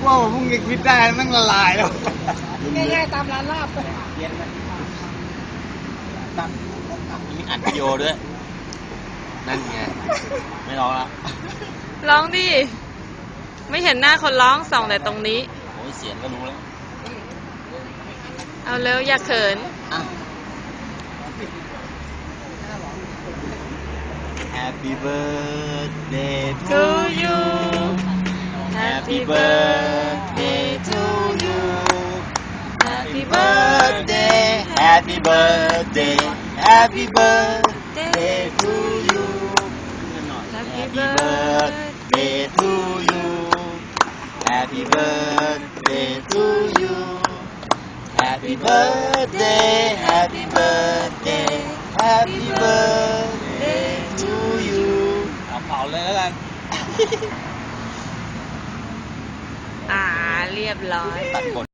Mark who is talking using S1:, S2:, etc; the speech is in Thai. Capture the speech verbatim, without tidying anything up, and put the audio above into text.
S1: ว่าผมเพิ่งคิดได้แม่งละลายแล้ว
S2: ง่ายๆตามร้านลาบ
S1: เย็นไหมตั้ง
S3: มีอัดวิดีโอด้วย นั่นไง ไม่ร้องละ
S4: ร้องดิ ไม่เห็นหน้าคนร้องส่องแต่ตรงนี้
S3: โอ้ยเสียงก็รู้แล้ว
S4: เอาเร็วอย่าเขิน
S3: อ่ะ Happy birthday to
S4: To
S3: you
S4: you
S3: Happy birthday to you Happy birthday Happy birthday Happy birthday to you
S4: Happy
S3: Happy birthday to you Happy birthday to you Happy birthday Happy birthday Happy birthday to you เอาเผาเลยแล้วกัน
S4: อ่าเรียบร้อย
S3: ตัดบท